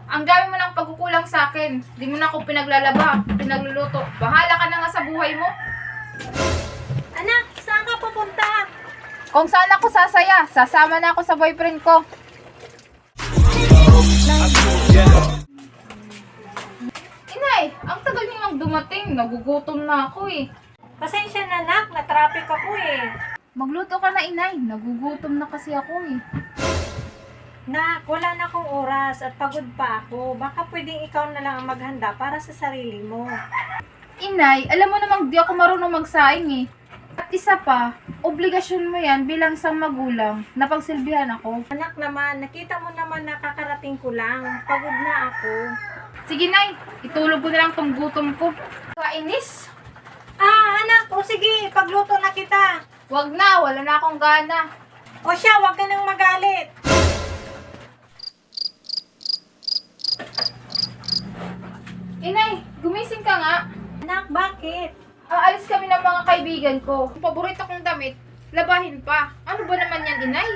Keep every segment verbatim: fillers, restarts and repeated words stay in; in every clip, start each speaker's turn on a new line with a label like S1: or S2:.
S1: Ang dami mo ng pagkukulang sa akin. Di mo na ako pinaglalaba, pinagluluto. Bahala ka na nga sa buhay mo.
S2: Anak, saan ka pupunta?
S1: Kung saan ako sasaya, sasama na ako sa boyfriend ko. Inay, ang tagal niyo nang dumating. Nagugutom na ako eh.
S2: Pasensya na, anak, na-traffic ako eh.
S1: Magluto ka na, inay. Nagugutom na kasi ako eh.
S2: Nak, wala na akong oras at pagod pa ako. Baka pwedeng ikaw na lang ang maghanda para sa sarili mo.
S1: Inay, alam mo namang di ako marunong magsaing eh. At isa pa, obligasyon mo yan bilang isang magulang na pagsilbihan ako.
S2: Anak naman, nakita mo naman na kakarating ko lang. Pagod na ako.
S1: Sige, Nay. Itulog ko na lang tong gutom ko. Kainis?
S2: Ah, anak, o sige, pagluto na kita.
S1: Wag na, wala na akong gana.
S2: O siya, wag ka nang magalit.
S1: Inay, gumising ka nga.
S2: Anak, bakit?
S1: Aalis kami ng mga kaibigan ko. Ang paborito kong damit, labahin pa. Ano ba naman yan, Inay?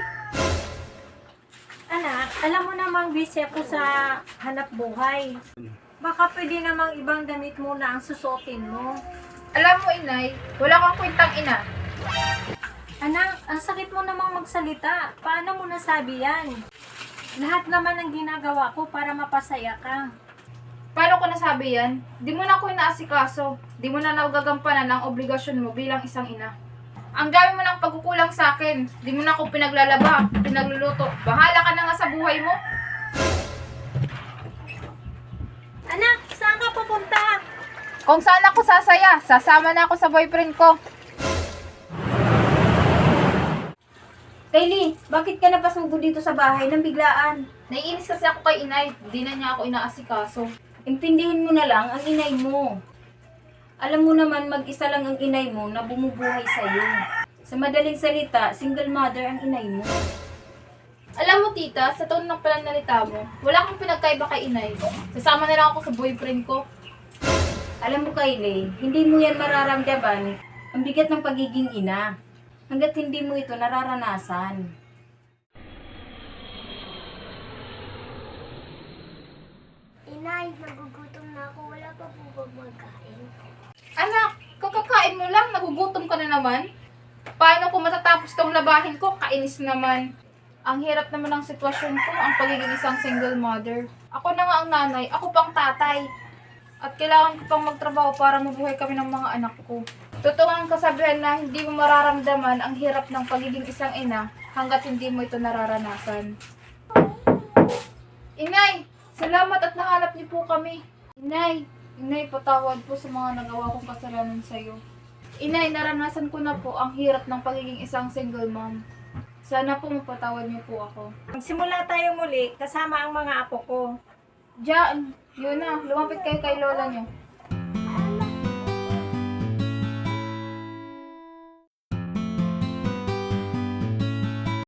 S2: Anak, alam mo namang busy ako sa hanap buhay. Baka pwede namang ibang damit muna ang susuotin mo.
S1: Alam mo, Inay, wala kang kwentang ina.
S2: Anak, ang sakit mo namang magsalita. Paano mo nasabi yan? Lahat naman ang ginagawa ko para mapasaya ka.
S1: Paano ko nasabi yan? Di mo na ako inaasikaso. Di mo na nagagampanan ang obligasyon mo bilang isang ina. Ang dami mo ng pagkukulang sa akin. Di mo na ako pinaglalaba, pinagluluto. Bahala ka na nga sa buhay mo.
S2: Anak, saan ka pupunta?
S1: Kung saan ako sasaya, sasama na ako sa boyfriend ko.
S3: Kylie, bakit ka napasubo dito sa bahay ng biglaan?
S1: Naiinis kasi ako kay inay. Di na niya ako inaasikaso.
S3: Intindihin mo na lang ang inay mo. Alam mo naman mag-isa lang ang inay mo na bumubuhay sa'yo. Sa madaling salita, single mother ang inay mo.
S1: Alam mo, tita, sa tono ng pananalita mo, wala kang pinagkaiba kay inay. Sasama na lang ako sa boyfriend ko.
S3: Alam mo Kylie, hindi mo yan mararamdaman ang bigat ng pagiging ina hanggat hindi mo ito nararanasan.
S4: Inay, nagugutom na ako. Wala pa po ba magkain?
S1: Anak, kakakain mo lang, nagugutom ka na naman. Paano ko matatapos tong labahin ko? Kainis naman. Ang hirap naman ng sitwasyon ko, ang pagiging isang single mother. Ako na nga ang nanay, ako pang tatay. At kailangan ko pang magtrabaho para mabuhay kami ng mga anak ko. Totoo ang kasabihan na hindi mo mararamdaman ang hirap ng pagiging isang ina hanggat hindi mo ito nararanasan. Inay, salamat at nahanap niyo po kami. Inay, Inay, patawad po sa mga nagawa kong kasalanan sa iyo. Inay, naranasan ko na po ang hirap ng pagiging isang single mom. Sana po mapatawad niyo po ako.
S2: Magsimula tayo muli kasama ang mga apo ko.
S1: Diyan, yun na, lumapit kayo kay lola niyo.